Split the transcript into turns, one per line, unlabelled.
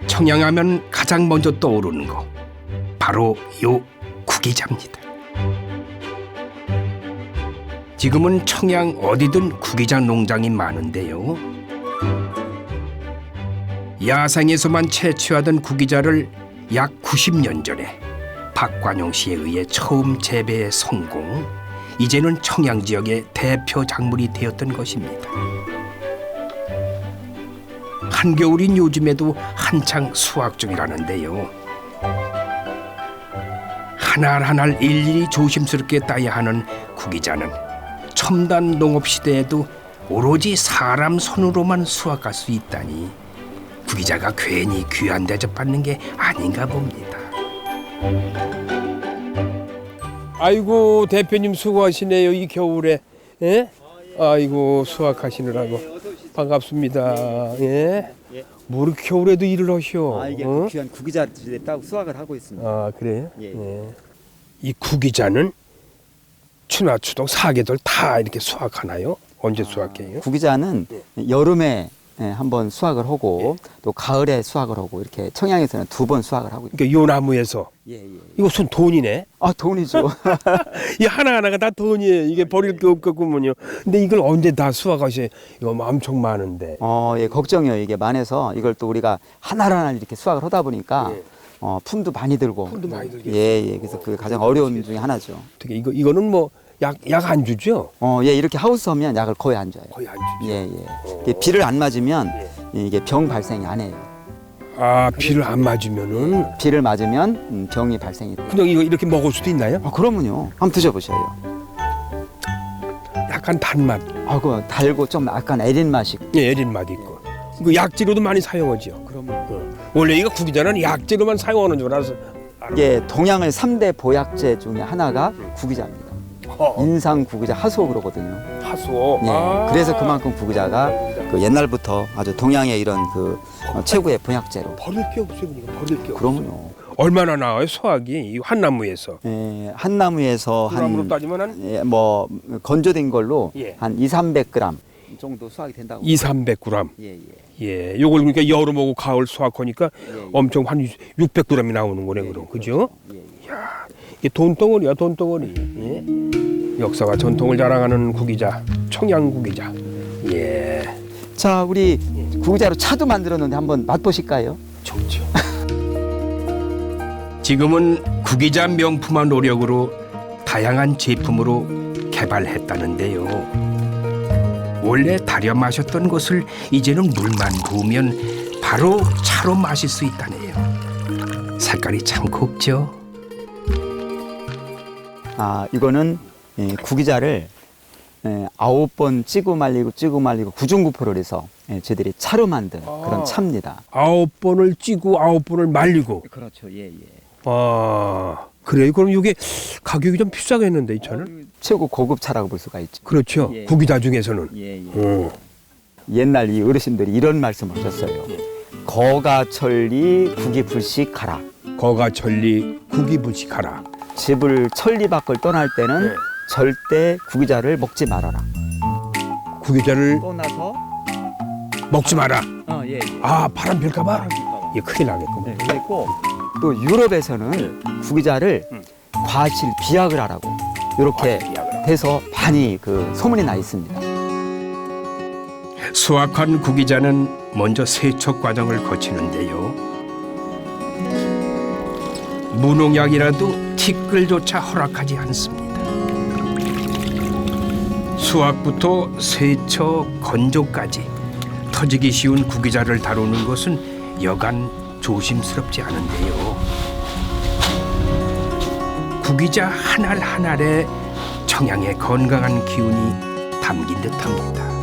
청양하면 가장 먼저 떠오르는 거 바로 요 구기자입니다. 지금은 청양 어디든 구기자 농장이 많은데요. 야생에서만 채취하던 구기자를 약 90년 전에 박관용 씨에 의해 처음 재배에 성공, 이제는 청양 지역의 대표 작물이 되었던 것입니다. 한겨울인 요즘에도 한창 수확 중이라는데요. 한 알 한 알 일일이 조심스럽게 따야 하는 구기자는 첨단 농업 시대에도 오로지 사람 손으로만 수확할 수 있다니 구기자가 괜히 귀한 대접받는 게 아닌가 봅니다. 아이고 대표님 수고하시네요 이 겨울에. 예? 아이고 수확하시느라고 반갑습니다. 예? 뭐 이렇게 겨울에도 일을 하셔?
이게 귀한 구기자를 따고 수확을 하고 있습니다.
아 그래요?
예.
예. 이 구기자는 추나 추동 4계절 다 이렇게 수확하나요? 언제 수확해요?
구기자는 여름에 한번 수확을 하고 또 가을에 수확을 하고 이렇게 청양에서는 2번 수확을 하고 있습니다.
그러니까 요 나무에서 이거 손 돈이네.
아 돈이죠.
이 하나하나가 다 돈이에요. 이게 버릴 게 없겠군요. 근데 이걸 언제 다 수확하셔? 이거 엄청 많은데.
예, 걱정이요. 이게 많아서 이걸 또 우리가 하나하나 이렇게 수확을 하다 보니까 품도 많이 들고.
품도 많이 들겠어요.
예. 그래서 그 가장 어려운 중에 하나죠.
어떻게 이거는 뭐 약 안 주죠?
예, 이렇게 하우스 하면 약을 거의 안 줘요.
거의 안 주죠.
예. 이게 비를 안 맞으면 이게 병 발생이 안 해요.
아 비를 안 맞으면은
비를 맞으면 병이 발생이 돼요.
그냥 이거 이렇게 먹을 수도 있나요?
그러면요. 한번 드셔보셔요.
약간 단맛,
그 달고 좀 약간 애린 맛이.
예, 애린 맛 있고. 이거 약재로도 많이 사용하죠.
그러면
원래 이거 구기자는 약재로만 사용하는 줄 알아서.
이게 동양의 3대 보약제 중에 하나가 구기자입니다. 인상 구기자 하소 그러거든요.
하소.
예. 그래서 그만큼 구기자가 그 옛날부터 아주 동양의 이런 그 최고의 보약제로.
버릴 게 없어요, 그러니까 버릴 게 없어요.
그러면요.
얼마나 나와요 수확이 이 한나무에서?
예, 한 나무에서
그람으로
한
따지면 한
뭐 건조된 걸로
예.
한 200~300g 정도 수확이 된다고.
200~300g.
예.
예, 요걸 그러니까 여름하고 가을 수확하니까 엄청 한 600g이 나오는 거네, 그럼 그죠? 야, 이게 돈덩어리야, 돈덩어리. 예? 역사와 전통을 자랑하는 구기자, 청양 구기자. 예,
자, 우리 구기자로 차도 만들었는데 한번 맛보실까요?
좋죠. 지금은 구기자 명품화 노력으로 다양한 제품으로 개발했다는데요. 원래 달여 마셨던 것을 이제는 물만 부으면 바로 차로 마실 수 있다네요. 색깔이 참 곱죠.
이거는 구기자를 9번 찌고 말리고 9중구포를 해서 저희들이 차로 만든 그런 차입니다.
9번을 찌고 9번을 말리고.
그렇죠. 예.
그래요? 그럼 이게 가격이 좀 비싸겠는데 이 차는?
최고 고급 차라고 볼 수가 있죠.
그렇죠.
예.
구기자 중에서는.
예. 옛날 이 어르신들이 이런 말씀을 하셨어요. 거가천리 구기불식하라.
거가천리 구기불식하라.
집을 천리 밖을 떠날 때는 절대 구기자를 먹지 말아라.
구기자를
떠나서
먹지 마라.
예.
바람 필까봐? 이게 큰일 나겠구만.
그리고 또 유럽에서는 구기자를 과실 비약을 하라고 이렇게 돼서 많이 그 소문이 나 있습니다.
수확한 구기자는 먼저 세척 과정을 거치는데요. 무농약이라도 티끌조차 허락하지 않습니다. 수확부터 세척, 건조까지 터지기 쉬운 구기자를 다루는 것은 여간 조심스럽지 않은데요. 구기자 한 알 한 알에 청양의 건강한 기운이 담긴 듯합니다.